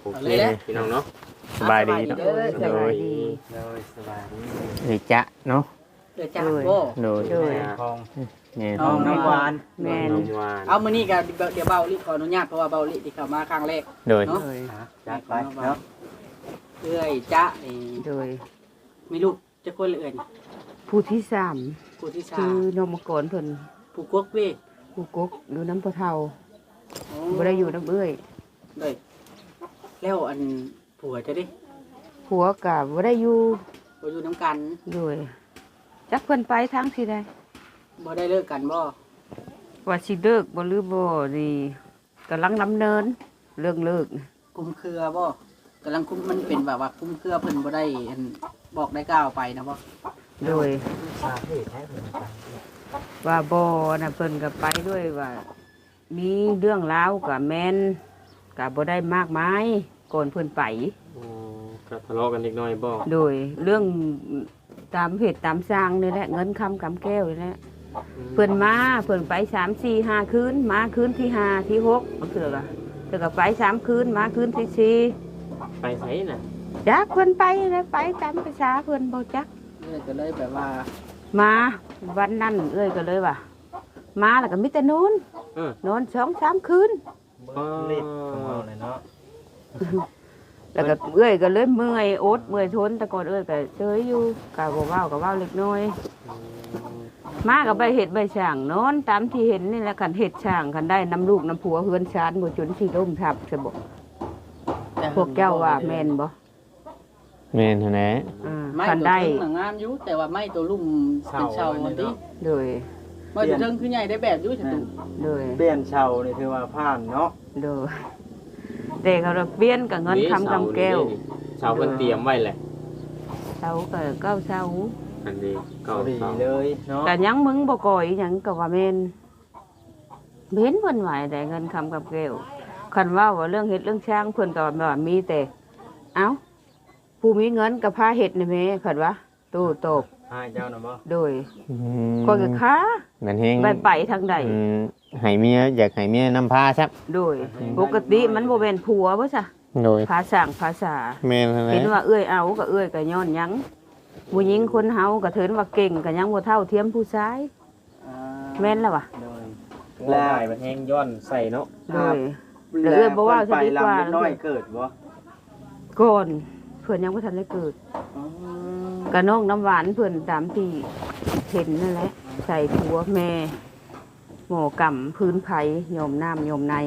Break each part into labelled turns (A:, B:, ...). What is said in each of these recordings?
A: โอเคพี่น้องเนาะสบายดีเนาะ
B: สบายดี
C: เลยสบายดี
A: หรือจะเนาะ
B: เดี๋ยวจ้าโบ
A: โดย
C: ทอง
A: เนี่ย
C: ทองน้ำหวาน
B: แม่น
A: น้ำหวาน
D: เอามื้อนี้ก็เดี๋ยวเบาลิขออนุญาตเพราะว่าเบาลิที่เข้ามาครั้งแรก
A: โดย
D: เนาะ
C: จัดไปเนาะ
D: เอื้อยจ๊ะนี่
B: โดย
D: มีลูกจะคนละเอื้อยนี่
B: ผู้ที่สาม
D: ผู้ที่สา
B: คื
D: ม
B: อนมกรเพิ่น
D: ผู้กวกเว้ย
B: ผู้กกอยู่น้ำพะเทา
D: โอ้
B: บ่ได้อยู่น้ำเอ้ย
D: เลยแล้วอันผัวจะดิ
B: ผัวก็บ่ได้อยู่
D: บ่อยู่น้ำกัน
B: โดยจักเพิ่นไปทางสิใด
D: บ่ได้เลิกกันบ่
B: ว่าสิเลิกบ่หรือบ่นี่กำลังดำเนินเรื่องเลิก
D: คุมเครือบ่กำลังคุมมันเป็นแบบว่าคุมเครือเพิ่นบ่ได้อันบอกได้กล่าวไปนะบ่
B: โดย
C: สาเหตุแท้เพิ่นไป
B: ว่าบ่น่ะเพิ่นก็ไปด้วยว่า มีเรื่องราวกับแม่นก็บ่ได้มากมายก่อนเพิ่นไป
A: ก็ทะเลาะกันเล็กน้อยบ่
B: โดยเรื่องตามเหตุตามสร้างนี่แหละเงินคำกำแก้วนี่แหละเพิ่นมาเพิ่นไป3-4-5 คืนมาคืนที่5ที่6เถื่อก็ไป3 คืนมาคืนที่
A: ไปไสน่ะ
B: 4จักเพิ่นไปแล้วไปตามภาษาเพิ่นบ่จัก
D: เอื้อยก็เลยแบบว่า
B: มาวันนั้นเอ้ยก็เลยว่า มาแล้วก็มีแต่นอน
A: เออน
B: อน2-3 คืน
C: เล็ดของเราเลยเนาะ
B: แล้วก็เอ้ยก็เลยเมื่อยอดเมื่อยทนแต่ก่อนเอ้ยก็เฉยอยู่ก็บ่เว้าก็เว้าเล็กน้อย มาก็ไปเฮ็ดใบช่างนอนตามที่เห็นนี่แหละคันเฮ็ดช่างคันได้น้ำลูกน้ำผัวเฮือนชานบ่จนสิล่มทับซะบ่
D: แต่
B: พวกเจ้าว่าแม่นบ่
A: แม่นเท่านั้น
D: ไม่
B: คัน
D: ตัว
B: ได้
D: เทิงน่ะงามอยู่แต่ว่าไม่ตัวลุ่มเป็นเชามันติ
B: โดย
D: ไม่ตัวเทิงคือใหญ่ได้แบบอยู่จังตุ
B: โดย
C: เปลี่ยนเชานี่ถือว่าผ่านเนาะ
B: โดยแต่เขาเราเปลี่ยนกับเงินคำกำแก้ว
A: เสาเพิ่นเตรียมไว้แหละ
B: เสาก็เก้าเสา
A: อันนี้เก่า
C: ดี
A: เสา
C: เลยเนาะ
B: แต่ยังมึงบ่ก่อยหยังก็ว่าแม่นเห็นเพิ่นไหวแต่เงินคำกำแก้วคันว่าเรื่องเฮ็ดเรื่องช่างเพิ่นก็ว่ามีแต่เอ้าผู้มีเงินก็พาเฮ็ดนี่แม่คันว่าตู้ตบ
C: ให้เจ้าน่ะบ่
B: โดยก็คือค้า
A: แม่นเฮง
B: ไปทางใด
A: ให้เมียอยากให้เมียนำพาครับ
B: โดยปกติมันบ่แม่นผัวบ่ซะ
A: โดย
B: ภาษาภาษา
A: แม่นเท่านั้
B: เห็น
A: น
B: ว่าเอื้อยเอาก็เอื้อยก็ย้อนหยังผู้หญิงคนเฮาก็เถินว่าเก่งก็ยังบ่เท่าเทียมผู้ชายแม่นแล้ววะ
C: โดย
A: แล้วมันแห้งย้อนใส่เนาะ
B: โดย เดี๋ยวเอื้อยบ่ว่า
C: ไป
B: จะดีกว่า
C: ลำน้อยเกิดบ่
B: ก่อนเพิ่นยังบ่ทันได้เกิดก็น้องน้ำหวานเพิ่นตามที่เห็นนั่นแหละใส่ผัวแม่หมอกำพื้นไผยอมน้ำยอมไหน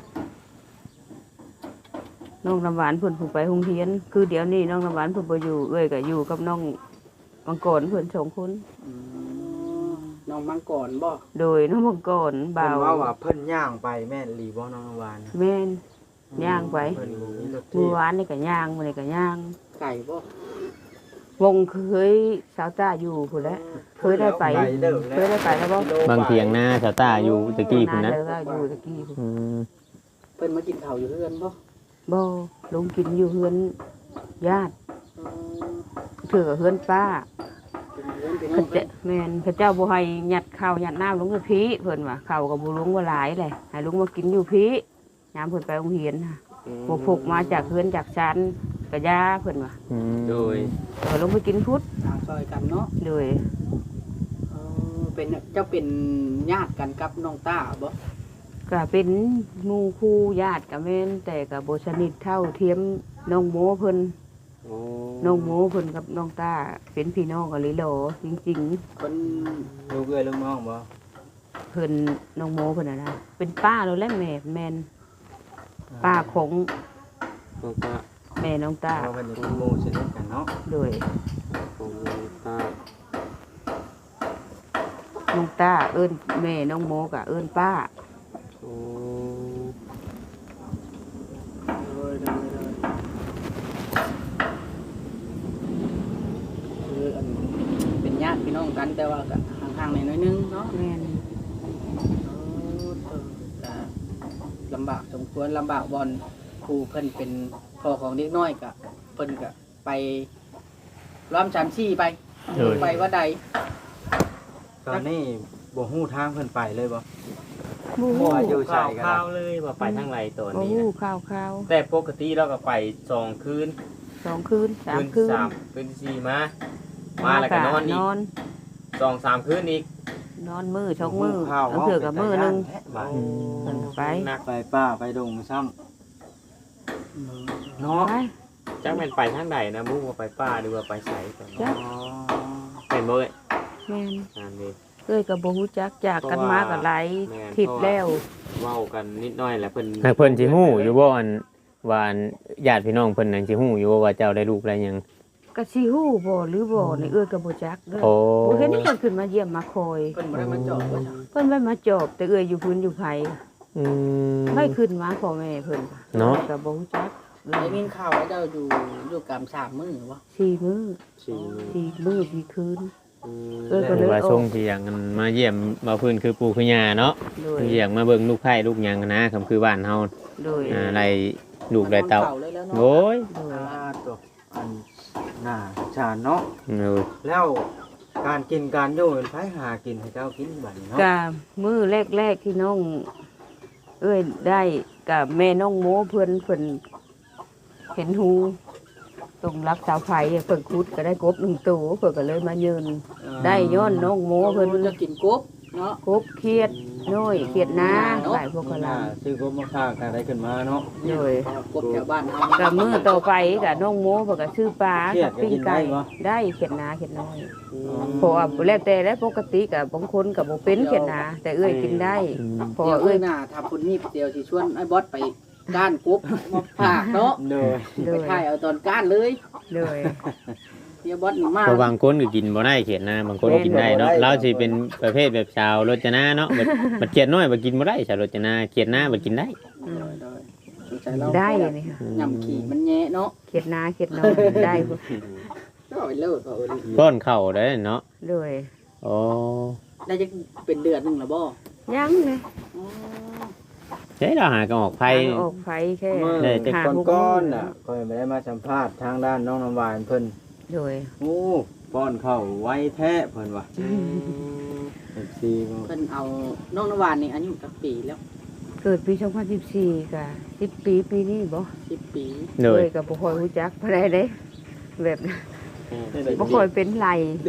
B: น้องน้ำหวานเพิ่นผูกไปโรงเรียน คือเดี๋ยวนี้น้องน้ำหวานเพิ่นบ่อยู่เอ้ยก็อยู่กับน้องมังกรเพิ่น2 คน
D: น้องมังกรบ่
B: โดยน้องมังกร
C: เพิ่
B: บ่าน ว
C: ว่าว่าเพิ่นย่างไปแม่นหลีบ่น้องวาน
B: แม่น ย่างไป
C: เพิ่นบ่มีรถ
B: เมื่
C: ที่
B: อวานนี่ก็ย่างมื้อนี้ก็ย่าง
D: ไก่บ่
B: วงเคยสาวต้าอยู่พุ่นแหล้วเคยได้ไป
C: เด้อ
B: เคยได้ไปแล้วบ่
A: บางเถียงหน้าชาวต้าอยู่ตะกี้พุ่นนะ
B: าเด้ออยู่ตะกี้พุ่น
A: อืม
D: เพิ่นมากินข้าวอยู่เรือนบ่
B: บ่ลงกินอยู่เฮือนญาติเถือกับเฮือนป้า
D: เป็นเรือนเป็น
B: เขาจะแม่นเขาเจ้าบ่ให้ยัดข้าวยัดน้ำลงกับพี่เพิ่นว่าข้าวก็บ่ลุงว่าหลายแหละให้ลุงมากินอยู่พี่ยามเพิ่นไปโรงเรียนน่ะบ่พกมาจากเฮือนจากชั้นก็ยาเพิ่นว่า
A: โดย
B: ก็ลงไปกินพุทธ
D: ทางซอยกันเนาะ
B: โดย
D: เป็นเจ้าเป็นญาติกันกับน้องต้าบ่
B: ก็เป็นหมู่คู่ญาติกับแม่นแต่ก็บ่สนิทเท่าเทียมน้องโมเพิ่น
A: โอ้
B: น้องโมเพิ่นกับน้องตาเป็นพี่น้องกันเลยเหรอจริง
D: คน
C: ลูกเอ้ยลูกน้องบ่
B: ๆเพิ่นน้องโมเพิ่นน่ะนะเป็นป้าแล้วแหละแม่แม่นป้าของ
A: น้องตา
B: แม่น้องตา
C: เพราะเพิ่นจะเป็นหมู่สนิทกันเนาะ
B: โดย
A: ของน้องตา
B: น้องตาเอิ้นแม่น้องโมก็เอิ้นป้า
A: โอ้
D: คืออันเป็นญาติพี่น้องกันแต่ว่าก็ห่างๆหน่อยนึงเนาะ
B: แม่น
D: ลำบากสมควรลำบากบอลครูเพิ่นเป็นพ่อของเด็กน้อยกะเพิ่นกะไปล้อม3-4ไปไปว่าใด
C: ตอนนี้บ่ฮู้ทางเพิ่นไปเลยบ่
B: บู
C: บ่
B: ฮู้
C: ว่าอยู่ใส่
A: ข่าว
C: กัน
A: ๆเลยว่าไปทางไหนตอน
B: บู
A: นี้
B: ฮู้
A: นะ
B: ข่าว
A: แต่ปกติเราก็ไป2คืน
B: 2 คืน 3 คืน
A: 3คืนที่4มาแล้วก็นอนอีก 2-3คืนอีก
B: นอนมือช่องมือเอาเถือกับมือหนึง
C: บ่า
B: เพิ่นไป
A: นัก
C: ไปป้าไปดงซ้ำเนาะ
B: ไป
A: จักแม่นไปทางใดนะบุ้งว่าไปป่าหรือว่าไปไสก่อน
B: จ้ะ
A: เป็นบ่เอ้ย
B: แม่น
A: นั่นดิ
B: เอ้ยก็บ่ฮู้จักจากกันมาก็หลาย
A: แม่น
B: ทิศแล้ว
A: เว้ากันนิดหน่อยแหละเพิ่น
E: หากเพิ่นสิฮู้อยู่บ่อันว่าอันญาติพี่น้องเพิ่นนั่นสิฮู้อยู่บ่ว่าเจ้าได้ลูกได้หยัง
B: ก็สิฮู้บ่หรือบ่นี่เอ้ยก็บ่จักเด้อ
E: โอ้
B: บ่เห็นเพิ่นขึ้นมาเยี่ยมมาคอย
D: เพิ่นบ่ได้มาเจาะว่าจ้ะ
B: เพิ่นไว้มาจอบแต่เอ้ยอยู่พื้นอยู่ไผ
E: อืม
B: ไม่ขึ้นมาพ่อแม่เพิ่น
E: เนาะ
B: ก็บ่ฮู้จัก
D: ได้ยินข่าวว่าเจ้าอยู่กำ3มื้อบ่
B: 4 มื้อ
A: สี่
B: 4 มื้อ4คืน
A: อืม
B: เออก็
E: คือว่าส่งที่หยังกันมาเยี่ยมบ่เพิ่นคือปู่คือย่าเนาะ
B: โดย
E: เยี่ยมมาเบิ่งลูกไผ่ลูกหยังนะคำคือบ้านเฮา
B: โดย
E: ไรลูกไรเต้า
D: เลยแล้วเนาะ
E: โอ้ย
B: โดย
C: ตัวอันน่าชาญเนาะ
E: เออ
C: แล้วการกินการอยู่เป็นไผหากินให้เจ้ากินบัดนี้เนาะ
B: กะมื้อแรกๆที่น้อง เอ้ยได้กับแม่น้องโมเพิ่นเห็นหูตรงรักสาวไผเพิ่นคุดก็ได้กบ1ตัวเพิ่นก็เลยมายืนได้ย้อนน้องโมเพิ่น
D: จะกินกบเนาะ
B: กบเครียดน้อยเครียดนาหลายพวกกะลา
C: ซื้อกบมาฝากกันได้ขึ้นมาเนาะ
B: โดย
D: กบแถวบ้านเฮา
B: กับมื้อต่อไปกับน้องโมเพิ่นก็ซื้อปลา
C: เครีย
B: กั
C: ด
B: บ
C: ก็
B: ปิ้ง
C: กินได้
B: ไก่
C: บ่
B: ได้เครียดนาเครียดน้อยเพราะว่าแล้วแต่แล้วปกติก็บางคนก็บ่เป็นเครียดนาแต่เอ้ยกินได้เพราะ
D: เดี๋ย
B: ว่าว เอ้
D: เอ้
B: ย
D: ยน่ะถ้าพุ่นนี่เดี๋ยวสิชวนไอ้บอสไปก้านกบมาฝากเนาะ
C: โดย
B: โด
D: ไป
B: ย
D: ถ่ายเอาตอนก้านเลย
B: โดย
D: เดี๋ยวบอสนี่มา
E: เพราะบางคนก็กินบ่ได้เขียนนะบางคนกินได้เนาะเราสิเป็นประเภทแบบชาวรจนาเนาะบัดเขียนน้อยบ่กินบ่ได้ชาวรจนาเขียนหน้าบ่กินได้
B: อืม
D: สงสัยเรา
B: ได้นี่ค่ะ
D: ยำขี่มันแย่เนาะ
B: เครียดนาเครียดน้อยได้พุ่น
D: ก็เอาไปเลิศเอาไป
E: ป้อนข้าวได้เนาะ
B: โดย
E: โอ้
D: ได้จะเป็นเดือนหนึงแล้วบ่
B: ยังเลย
D: อ๋อ
E: เฮ้ยเราหากันออกไผ
B: ทางออกไฟแค่
C: เมื่อ
E: ได้
C: แต่
B: หา
C: ก้อน
B: ห
C: ๆน่ะคอยไม่ได้มาสัมภาษณ์ทางด้านน้องน้ำหวานเพิ่น
B: โดย
C: โอ้ป้อนข้าวไว้แท้เพิ่นว่าซีบ่
D: เพิ่นเอาน้องนวานนี่อายุจักปีแล้ว
B: เกิดปี2014ก็10 ปีปีนี้บ่
D: 10 ปี
E: เล
B: เอ้
E: ย
B: ยก็บ่ค่อยรู้จักปานใดเด้แบบบ่ค่อยเป็นไร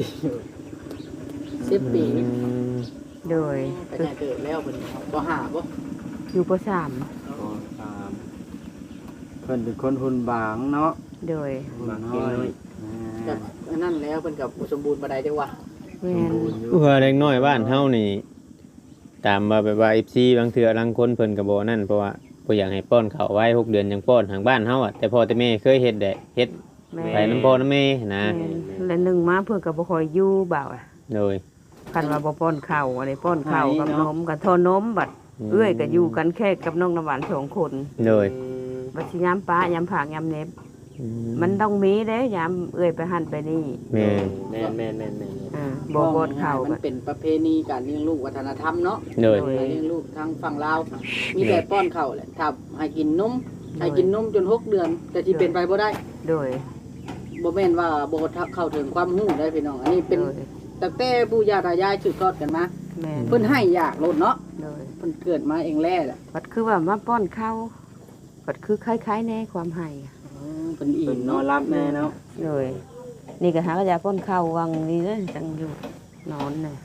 D: 10 ปี
B: โดย
D: ไปไหนเกิดแล้วเพิ่นบ่หาบ่
B: อยู่ป .3
C: ก็ตามเพิ่นเป็นคนหุ่นบางเนาะ
B: โดย
C: หุ่นน้อย
D: จากอันนั้นแล้วเพิ่นก็บ่สมบูรณ์บ่ได้จังว่า
B: แม่น
E: เพื่อเด็กน้อยบ้านเฮานี่ ตามว่าแบบว่า FC บางเทื่อบางคนเพิ่นก็บ่นั่นเพราะว่าบ่อยากให้ป้อนข้าวไว้6เดือนจังป้อนทางบ้านเฮาอ่ะแต่พ่อแต่แม่เคยเฮ็ดได้เฮ็ด
B: แม่
E: ไปน้ำพ่อน้ำแม่นะ
B: แม่นและหนึ่งมาเพิ่นก็บ่ค่อยอยู่บ่าวอะ
E: โดย
B: คันว่าบ่ป้อนข้าวอะไรป้อนข้าวกับนมกับทอนมบัดเอื้อยก็อยู่กันแค่กับน้องน้ำหวาน2คน
E: โดย
B: บัดสิยามป้ายามผากยามเน็บมันต้องมีเด้ยามเอื้อยไปหั่นไปนี่
E: แม่
A: แม่น
B: บ่ป้อนข้าว
D: มั
B: ก็
D: นเป็นประเพณีการเลี้ยงลูกวัฒนธรรมเนาะ
E: โดย
D: การเลี้ยงลูกทางฝั่งลาวมีแต่ป้อนข้าวแหละถ้าให้กินนมให้กินนมจน6เดือนแต่สิเป็นไปบ่ได้
B: โดย
D: บ่แม่นว่าบ่เข้าถึงความรู้ได้พี่น้องอันนี้เป็น
B: โดย
D: ตั้งแต่ปู่ย่าตายายสืบทอดกันมา
B: แม่น
D: เพิ่นให้อยากโลดเนาะ
B: โดย
D: เพิ่นเกิดมาเองแล้แหละ
B: บัดคือว่ามาป้อนข้าวบัดคือคล้ายๆแน่ความให้
D: เพิ่นอิ่
C: เพิ่น
D: ม
C: นอ
D: เนาะ
C: นรับแน่เนาะ
B: โดยนี่ก็หากระยาป้อนข้าววังนี่เด้อจังอยู่นอนน่ะ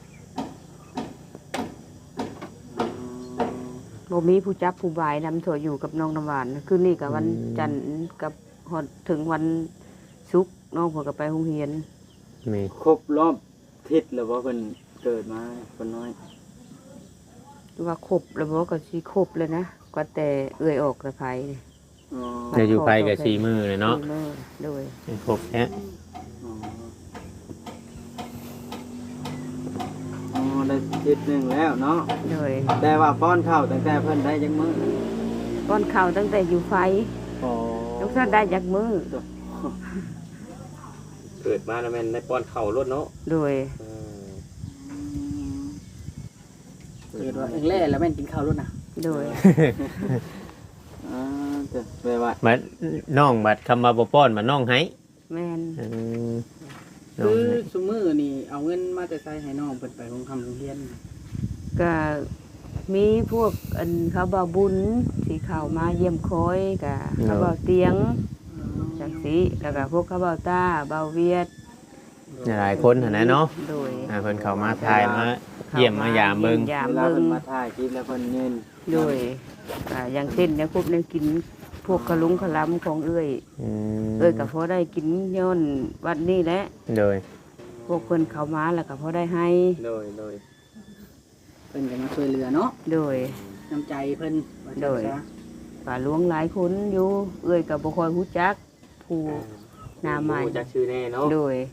B: บ่มีผู้จับผู้บายนำโถอยู่กับน้องน้ำหวานคืนนี้กับวันจันทร์กับฮอดถึงวันศุกร์น้องเพิ่นก็ไปโรงเรียน
E: แม่
C: ครบรอบทิศแล้วว่าเพิ่นเกิดมาคนน้อย
B: ว่าครบแล้วบ่ก็สิครบเลยนะก็แต่เอื้อยออกแต่ไผนี่
C: อ๋อ
E: เดี๋ยวอยู่ไปกับ4มื้อเลยเนาะ
B: สี่มื้อโดย
E: ครบแท้
C: อ๋ออ๋อได้ทิศหนึงแล้วเนาะ
B: โดย
C: แต่ว่าป้อนข้าวตั้งแต่เพิ่นได้จังมื้อ
B: ป้อนข้าวตั้งแต่อยู่ไฟ
C: อ๋อ
B: ทุกท่านได้จากมื้อ
A: เกิดมาแล้วแม่นได้ป้อนข้าวรถเนาะ
B: โดย
D: เกิดว่าเองแล้แล้วแม่นกินข้าวโลดน่ะ
B: โดย
C: อ่าแต่แปลว่า
E: บัดน้องบัดคำว่าบ่ป้อนมาน้องให้
B: แม่น
E: น้อง
D: คือ
E: ให้
D: ซุมื้อนี่เอาเงินมาแต่ใส่ให้น้องเพิ่นไปโรงเรียน
B: ก็มีพวกอันเขาบ่าวบุญที่เข้ามาเยี่ยมคอยกะเขาบ่าวเตียงจังซี่แล้วก็พวกเขาบ่าวตาบ่าวเวียด
E: หลายคนหั่นนะเนาะ
B: โดย
E: เพิ่นเข้ามาทายมาเยี่ยมมายามเบิ่ง
B: ยาม
C: เวลา
B: เบิ่
C: เพิ่
B: ง
C: นมาถ่ายคลิปแล้วเพิ่นเน้น
B: โดยอย่างเช่นเนี่ยพวกเนี่ยกินพวกกระลุงกระลำของเอ้ย
E: อืม
B: เอ้ยก็พอได้กินย้อนวัดนี้แหละ
E: โดย
B: พวกเพิ่นเข้ามาแล้วก็พอได้ให้
A: โดย
D: เพิ่นก็มาช่วยเหลือเนาะ
B: โดย
D: น้ำใจเพิ่นว่าจัง
B: โดย
D: ซะ
B: ป่าหลวงหลายคนอยู่เอ้ยก็บ่ค่อยฮู้จักผู้หน้าใหม่
A: จักชื่อแน่เนาะ
B: โดย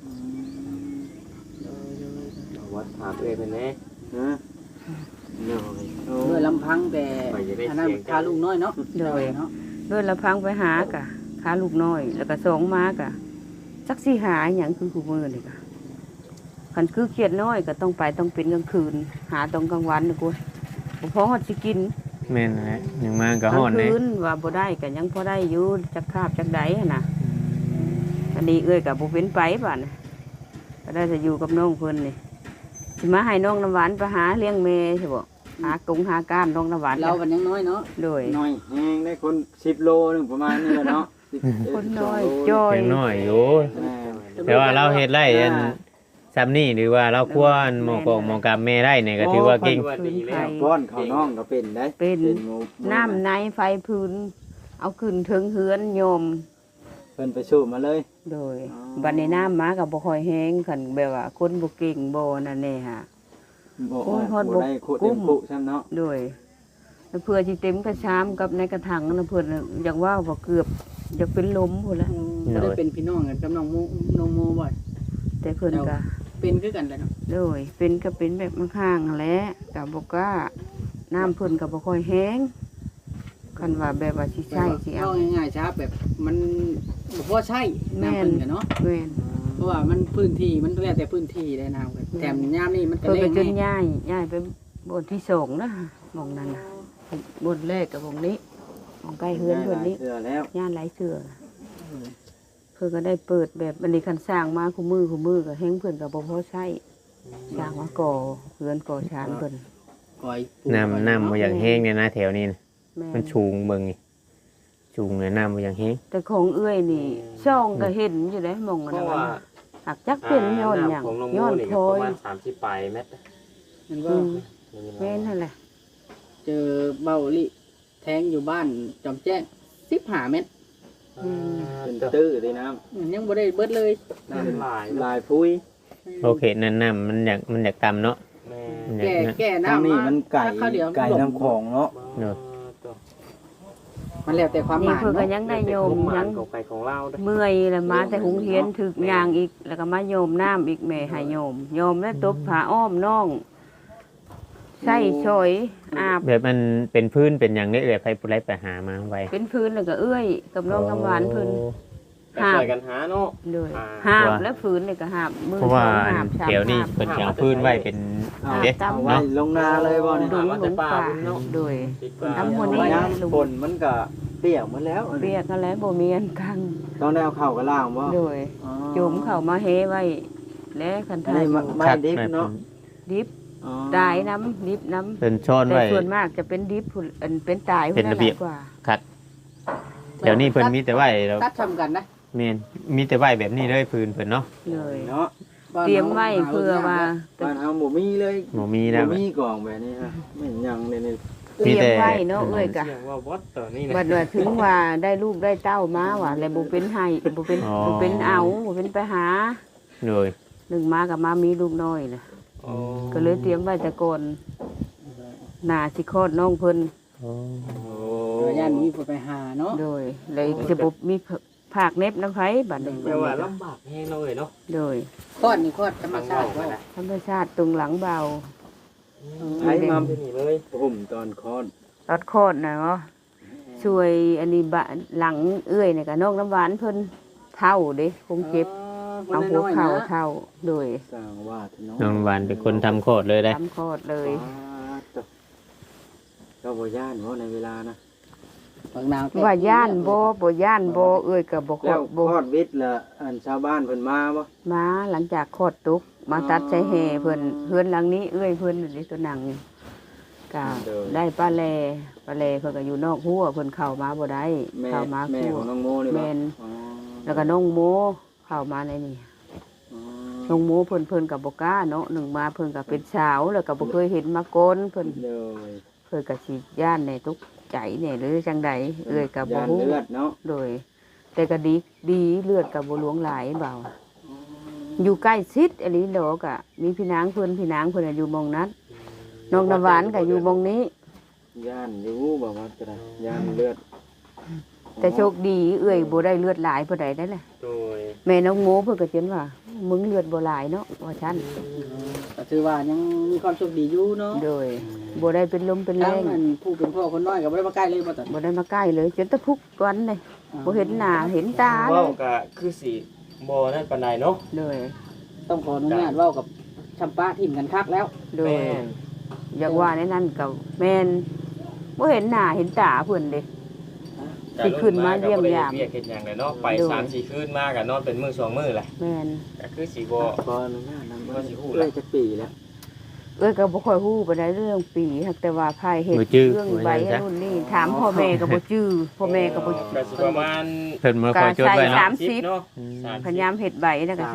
A: วัดถามเอ้ยเพิ่นแน่
C: ฮะโดยโอ้
D: ด้วยลำพังแต่อันนั้นพาลูกน้อยเนาะ
B: โดย
D: เนาะ
B: ด้วยละพังไปหากะค้าลูกน้อย แล้วก็สองมากะจักสิหาอหยังคือคู่มือนี่กะคันคือเครียดน้อยก็ต้องไปต้องเป็นกลางคืน หาตอนกลางวันนะกูบ่พอฮอดสิกิน
E: แม่นแหละยังมาก
B: ก
E: ก็
B: ลาง
E: ฮ้อนเด้
B: คืนว่าบ่ได้ก็ยังพอได้อยู่จักคาบจักใดหั่นน่ะอันนี้เอ้ยก็บ่เป็นไปบัดน่ะก็ได้จะอยู่กับน้องเพิ่นนี่สิมาให้น้องน้ำหวานไปหาเลี้ยงแม่ใช่บ่หากงหาก้านน้องน้ำหวาน
D: เรามันยังน้อยเนาะ
B: โดย
C: น้อยแฮงได้คน10 โลนึงประมาณนี้แหละเนาะ10
B: คนน้อย
C: 12
B: จ้อย
E: ยังน้อยอยู่
C: แม่
E: แต่ว่าเราเฮ็ดไรอันซ้ำนี่หรือว่าเราควรหมอกอกหมอกับแม่ได้เนี่ยก็ถือว่าเก่ง
A: ว่าดีแล้ว
C: ป้อนข้าวน้องก็เป็นได้
B: เป็น
C: หมู
B: น้ำในไฟพื้น เอาขึ้นถึงเฮือนโยม
C: เพิ่นไปสู้มาเลย
B: โดย
C: อ๋อ
B: บัดในน้ำมากับบ่ค่อยแห้งคันแบบว่าคนบ่เก่งบ่นั่นแน่ฮะ
C: บ่
B: โอ้ยฮอด
C: บ่
B: บ่
C: ได้ขุด
B: กุ้
C: เต็
B: ม
C: มปุซ้ำเนาะ
B: โดยแล้วเพื่อสิเต็มกระชามกับในกระถางนะเพิ่นน่ะอยากว่าบ่เกือบอยากเป็นลมพุ่นละ
D: ก็ได้เป็นพี่น้องกันกับน้องโมบ่อย
B: แต่เพิ่นก็
D: เป็นคือกันแหละเนาะ
B: โดยเป็นก็เป็นแบบข้างๆแหละก็บ่กล้าน้ำเพิ่นก็บ่ค่อยแห้งคันว่าแบบว่าสิใช้สิเอา
D: เอาง่ายๆช้าแบบมันบ่พอใช่น้ำเพิ่นกันเนาะ
B: แม่น
D: เพราะว่ามันพื้นที่มันแล้วแต่พื้นที่ได้น้ำกันแถมยามนี่มันก็
B: เพิ่น
D: แร
B: ก็
D: ง
B: จน
D: แน่
B: ย้ายไปบนที่สองนะหมองนั้นนะบนแรกกับหมองนี้หมองใกล้เฮือนเพิ่นนี้
C: เชื่อแล้ว
B: ย่านหลายเสือเพิ่นก็ได้เปิดแบบอันนี้คันสร้างมาคู่มือก็แฮงเพิ่นก็บ่พอใช้สร้างมาก่อเฮือนก่อชานเพิ่น
D: ก่อยปลูก
E: น้ำบ่อย่างแห้งเนี่ยนะแถวนี้นะ
B: แม่
E: มันชูงเบิ่งนี่ชูงเลยน้ำบ่อย่างแห้ง
B: แต่ของเอื้อยนี่ช่องก็เห็นอยู่ได้หมองอัน
A: เพ
B: นั้
A: ราะ
B: น
A: ว่า
B: น่ะหักจักเป็นย้อนหยัง
A: ของน้อง
B: ย้
A: โม
B: อน
A: นี่
B: พ
A: ก็
B: ลอ
A: ประ
B: ย
A: มาณ30ปลายเมตร
D: มันว่า
B: แม่นนั่นแหละ
D: เจอเบาลิแทงอยู่บ้านจอมแจ้ง15 เมตร
C: เป็นตื้อเลยน้ำ
D: ยังบ่ได้เบิดเลย
A: น่าเป็นหลาย
C: ลายพุ้ย
E: โอเคนั่นน้ำมันอยากต่ำเนาะ
A: แม่
E: มันอยาก
D: แก่
C: ทาง
D: น้ำ
C: นี้
D: มา
C: มันไก่
D: ข้าวเดียว
C: ไก่น้ำของเนาะ
E: เนาะ
D: มันแล้วแต่ความห
B: นี่
D: มาย
B: เพิ่นก็
D: เนาะ
B: ยังได้โยม
A: ยั
B: ยัง ง
A: ของไปของเราด้วย
B: เมื่อยแล้วมาแต่หุงเฮียนถึกยางอีก แล้วก็มาโยมน้ำอีกแม่ให้โยมแล้วตบผ้าอ้อมน้องใส่ชอยอาบ
E: แบบมันเป็นพื้นเป็นอย่างนี้เลยไปปุไรไปหามาไว้
B: เป็นพื้นแล้วก็เอื้อยกับน้องน้ำหวานพื้น
A: ไปช่วยกันหาเนาะ
B: เลย
A: อ่า
B: หาบแล้วพื้นเลยก็หาบมือ
E: เพราะว่า
B: สองหาบสาม
E: แถวนี้
B: หาบ
E: เพิ่นสิเอาพื้นไว้เป็น
C: เอา
E: เด้
C: เอาไว้ลงนาเลยบ่เนี่ย
B: ดุงหลงป่าโดย
A: ดีกว่า
B: น้ำ
C: เอา
B: หัวนี้
C: ไว้น้ำฝนมันก็เปียกหมดแล้ว
B: เรียกกันแล้วบ่มีอันกัง
C: ต้องได้เอาเข้าวกับล่างบ่
B: โดย
C: อ๋อ
B: โยมเข้ามาเฮไว้ และคัน
C: อัน
B: ทาย
C: นี้
B: อยู่
C: ไม่ดิบเนาะ
B: ดิบ
C: อ๋อ
B: ตายน้ำดิบน้
E: เป็นช้อน
B: ำแต่
E: ไว้
B: ส่วนมากจะเป็นดิบพุ่นอันเป็นตาย
E: เป็นระเบียบ
B: หลากว่า
E: คัดเดี๋ยวนี้เพิ่นมีแต่ไว้แล้ว
D: ตัดทำกันนะ
E: แม่นมีแต่ไว้แบบนี้เลยพื้นเพิ่นเนาะ
B: เลย
C: เนาะ
B: เตรียมไว้เพื่อว่า
C: บ้านเฮาบ่มีเลย
E: บ่มีแล้ว
C: บ่มีกล่องแบบนี้ฮะไม่เห็นหยังเลยนี่
B: เตรียมไว้เนาะเอ้ยกะ
A: เสียงว่าวัดต่อนี่นะ
B: บัดว่าถึงว่าได้ลูกได้เต้ามาว่ะแล้วบ่เป็นให้บ่เป็นบ่เป็นเอาบ่เป็นไปหา
E: เลย
B: หนึ่งมากับมามีลูกน้อยน่ะ
A: โอ้
B: ก็เลยเตรียมไว้แต่ก่อนหน้าสิคลอดน้องเพิ่น
E: โอ้
C: โอ้
D: ย่านมีผู้ไปหาเนาะ
B: โดยเลยจะบ่มีภาคเน็บน้ำไผบัดนี้
A: แต่ว่าลำบากแห้งเลยเนาะ
B: โดย
D: คลอดนี่คลอดธรรมชาติ
A: ว่า
D: ว่า
B: ธรรมชาติตรงหลังเบา
C: ใช้มา
A: ที่นี่เลย
C: ผมตอนคลอด
B: ตอดคลอดน่ะเนาะช่วยอันนี้บะหลังเอื้อยนี่ก็น้องน้ำหวานเพิ่นเท่าเด้คงเจ็บเอาหัวเข่าเท่าโดย
C: สร้างวาดเนาะ
E: น้องหวานเป็นคนทำโคตรเลยได้
B: ทำคลอดเลย
C: ก็บ่ย่านบ่ในเวลานะ
D: บางนาง
B: ว่าย่านบ่ย่านบ่เอ้ยก็บ่คล
C: แล้
B: อ
C: ว
B: ดบ่
C: คลอดวิทย์ละอันชาวบ้านเพิ่นมาบ่
B: มาหลังจากคลอดตุกมาตัดใช้แห่เพิ่นเฮือนหลังนี้เอ้ยเพิ่นนี่ตัวหนังก็ได้ป้าแลเพิ่นก็อยู่นอกหัวเพิ่นเข้ามาบ่ได้
C: แม่
B: เข้ามา
C: แม่
B: คู่
C: ของน้องโมนี่บ่
B: แม่น
C: อ๋อ
B: แล้วก็น้องโมเข้ามาในนี่
C: อ๋อ
B: น้องโมเพิ่นก็บ่กล้าเนาะหนึ่งมาเพิ่นก็เป็นสาวแล้วก็บ่เคยเห็นมาก่อนเพิ่น
C: เลย
B: เพิ่นก็สิย่านในทุกใจเนี่ยหรือจังใดเอ้ยก็บ่
C: ยาน
B: ฮู้
C: เลือดเนาะ
B: โดย แต่ก็ดีเลือดก็บ่หลวงหลายเบาอยู่ใกล้ชิดอหลีดอกอะมีพี่นางเพิ่นน่ะอยู่หม้องนั้นน้องน้ำหวานก็อยู่หม้องนี้
C: ยานอยู่บ่ว่าจะได้ยานเลือด
B: แต่โชคดีเอ้ยบ่ได้เลือดหลายปานใดได้แหละ
A: โดย
B: แม่น้องโมเพิ่นก็เจนว่ามึงเลือดบ่หลายเนาะว่าซั่น
D: ก็ถือว่ายังมีความโชคดีอยู่เนาะ
B: โดยบ่ได้เป็นลมเป็นแร
D: ทั้ง
B: ง
D: อันผู้เป็นพ่อคนน้อยก็บ่ได้มาใกล้เลยบ่ตัด
B: บ่ได้มาใกล้เลยจนตะพุกวันเลยบ่เห็นหน้าเห็นตาเล
A: เว้าย ก็คือสิบ่นั่นปานใดเนาะ
B: โดย
D: ต้องขออนุญาตเว้ากับชัมปะทิ่มกันคักแล้ว
B: โดย
A: แม่น
B: อยากว่าในนั้นก็แม่นบ่เห็นหน้าเห็นตาเพิ่นเด้ สิขึ้นมาเยี่ยมยาม
A: ก็บ่ได้เวียกเฮ็ดหยังเลยเนาะไป
B: โดย
A: 3-4 คืนมาก็นอนเป็นมื้อ2มื้อแหละ
B: แม่น
A: ก็คือสิบ่
C: ขออนุญาตนำ
A: ก็สิฮู้
C: เอ้ยจักปีแล้ว
B: เอ้ยก็บ่ค่อยฮู้ปานใดเรื่องปีหักแต่ว่าภายเฮ็ด
E: บ่จื้อ
B: เรื่อง
E: ว่า
B: ใบ
E: จังซะ
B: นู่นนี่ถามพ่อแม่ก็บ่จื้อพ่อแม่ก็บ่
A: ก็สิประมาณ
E: เพิ่นมาคอยจดไว้
B: สา
E: เนาะ
B: ม สิบ
A: เนาะ
B: พยายามเฮ็ดใบแล้วก็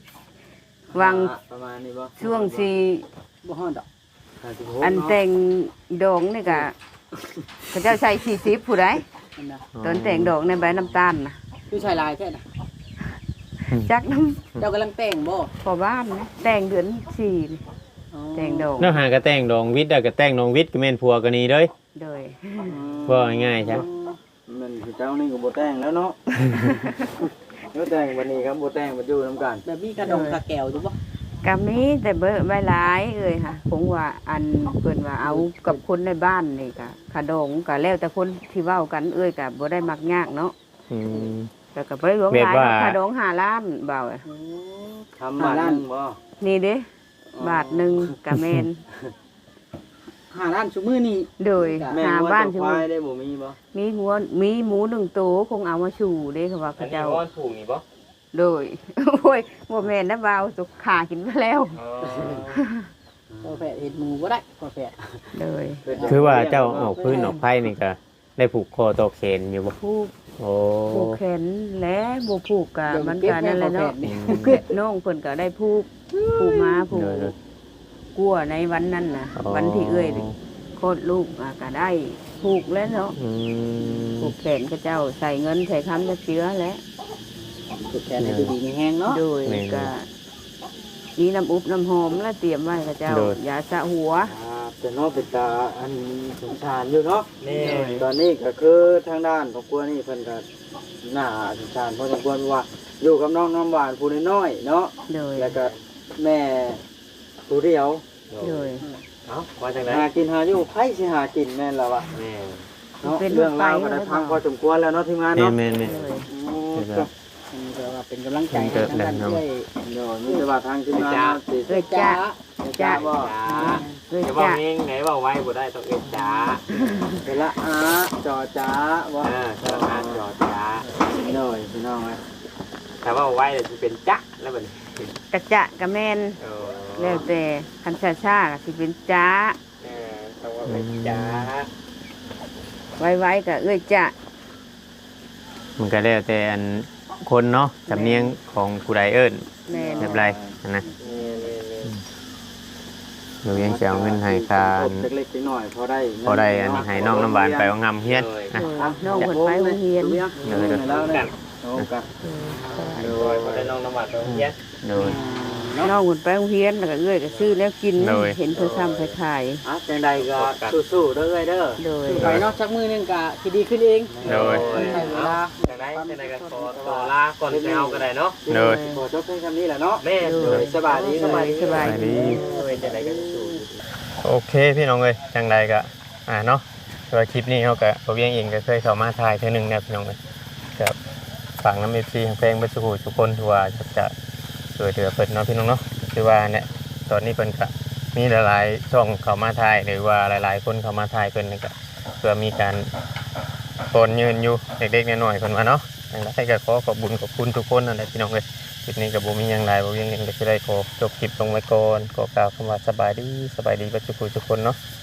B: 30วาง
C: ประมาณนี้บ่
B: ช่วงสิ
D: บ่ฮ้อนดอก
C: 56
B: อันแต่งดองนี่ก็เขาเจ้าใช้40ผู้ใด
D: นั่นน่ะ
B: ตอนแต่งดอกในใบน้ำตาลน่ะ
D: คือชายลายแท้น่ะ
B: จักน้ำ
D: เจ้ากำลังแต่งบ่
B: พอบ้านนะแต่งเดือน4นี่
D: อ๋อ
B: แต่งดอก
E: แล้วหากระแต่งดองวิทย์อะกระแต่งดองวิทย์ก็แม่นผัวกันนี่เด้ย
B: โดย
E: ว่าง่ายๆจ้ะ
C: มันคือเจ้านี่ก็บ่แต่งแล้วเนาะ เดี๋ยวแต่งวันนี้ครับบ่แต่งมาอยู่นํกัน
D: แบบมีกระดองกระแก้วอยู่บ่
B: ก็มีแต่เบอร์ใบหลายเอ้ยค่ะผมว่าอันเพิ่นว่าเอากับคนในบ้านนี่ก็ขะดงก็แล้วแต่คนที่เว้ากันเอ้ยก็บ่ได้มักยากเนาะ
E: อืม
B: แต่ก็บ่ได้หลวงหลาย
E: แบบว่า
B: ขะดง5ล้านเบาอะ
C: ทำมาล้านบ่
B: นี่เด้บาทหนึงก็แม่น
D: 5ล้านซุมื้อนี้
B: โดย
C: แม่
B: หา
C: งัว
B: บ้าน
C: ตัว
B: ชื่
C: ควา
B: อย
C: ได้บ่มีบ่
B: มีหัวมีหมู1ตัวคงเอามาชูเด้เขาว่า
A: อั
B: เขา
A: นนี้
B: เจ้า
A: อ้อนผูกนี่บ่
B: โดย โอ้ยบ่แม่นนะเบาสุกขากินไปแล้ว
A: อ๋อ
D: พอแฝดเฮ็ดหมูบ่ได้พอแฝด
B: โดย
E: คือว่าเจ้าออกพื้นออกไผ่นี่ก็ได้ผูกคอตอกแขนอยู่บ่
B: ผูก
E: โอ้
B: ผูกแขนและบ่ผูกก็มันก็นั่นแหละเนาะ
E: อืม
B: เก็บน้องเพิ่นก็ได้ผูกมาผูก
E: เด้อ
B: กลัวในวันนั้นน่ะ วันที่เอ้ยโคตรลูกก็ได้ผูกแล้วเนาะ
E: อืม
B: ผูกแขนก็เจ้าใส่เงินใส่คำจะเชื้อแล้ว
D: สุดแขนให้ดูดีมีแห้งเนาะ
B: โดยก็มีน้ำอุบน้ำหอมแล้วเตรียมไว้ก็เจ้ายาสระหัว
C: แต่เนาะเป็นตาอันสงสารอยู่เนาะ
A: นี่
C: ตอนนี้ก็คือทางด้านครอบครัวนี่เพิ่นก็น่าสงสารพอสมควรว่าอยู่กับน้องน้ำหวานผู้น้อยๆเนาะ
B: โดย
C: แล้วก็แม่ผู้เดียว
B: โดย
A: เอ้าว่าจังได๋
C: หากินหาอยู่ไผสิหากินแม่นล่ะวะ
A: แม่
C: เนาะเรื่องราวก็ได้พังพอสมควรแล้วเนาะทีมงาน
E: แม่
C: เนาะ
E: แม่แม่
B: โดย
C: โอ้
E: ครับ
D: อันนี้ก็ว่าเป็นกำลังใจให้ทางด้านช่วย
C: เดี๋ยวมีแต่ว่าทางทีมงานเนาะสิ
B: เอ้ยจ้า
C: จ้าบ่
B: เอ้ย
A: จะบอก
B: จ้า
A: เองไหนบอกไว้บ่ได้ต้องเอ็ดจ้า
C: เวลาจอจ้าบ่
A: สารพัดจอจ้า
C: หน่อยพี่น้องเอ้ย
A: แต่ว่าไว้เนี่ยจะเป็นจ๊ะแล้วบัดนี้
B: กระจะกระแมน
A: เออ
B: แล้วแต่คันชาก็สิเป็นจ้า
A: ต้องว่าเป็นจ้า
B: ไว้ๆก็เอ้ยจ้า
E: มันก็แล้วแต่อันคนเนาะสำเนียงของผู้ใดเอิ้น
B: แม่น
E: แบบไรนะ
A: นี่
E: เรายังจะเอาเงินให้ค่า
C: เล็กๆน้อยๆพอได้
E: พอได้อันให้น้องน้ำหวานไปเอางำเฮียนนะ
B: โดยน้องเพิ่นไปโรงเรียน
C: แล้วเนี่ยโอ้กัน
A: โดยพอได้น้องน้ำหวานตัวเนี้ย
E: โดย
B: น้องเพิ่นไปโรงเรียนแล้วก็เอ้ยก็ซื้อแล้วกิน
E: โดย
B: เห็นเพิ่นซ้ำไปขาย
C: จังใดก็สู้ๆเด้อเอ้ยเด้อ
B: โดย
D: ไปเนาะสักมื้อหนึงก็สิดีขึ้นเอง
E: โดย
D: ใช้เวลา
A: จังไดก็ขอต่อลาก่อนจะเอาก็ได้เนาะ
E: โดย
C: ขอจบเพียงคำนี้แหละเนาะ
A: แม่โดย
C: สบายดี
B: สบายสบาย
E: ไปดี
A: โดยจังไดก็สู้
E: โอเคพี่น้องเอ้ยจังใดก็เนาะตัวคลิปนี้เขาก็ตัวเวียงเองก็เคยเข้ามาถ่ายเท่อหนึงนะพี่น้องเอ้ยกับฝั่งน้ำเอฟซีเพลงเบสกูทุกคนที่ว่าจะช่วยเหลือเพิ่นเนาะพี่น้องเนาะคือว่าเนี่ยตอนนี้เพิ่นก็มีหลายๆช่องเข้ามาถ่ายหรือว่าหลายๆคนเข้ามาถ่ายเพิ่นนี่ก็เพื่อมีการโอนยืนอยู่เด็กๆน้อยๆเพิ่นว่าเนาะจังไดก็ขอขอบคุญขอบคุณทุกคนนั่นแหละพี่น้องเอ้ยคลิปนี้ก็บ่มีหยังหลายบ่เวียงเองก็สิได้ขอจบคลิปลงไว้ก่อนขอกล่าวคำว่าสบายดีเบสกูทุกคนเนาะ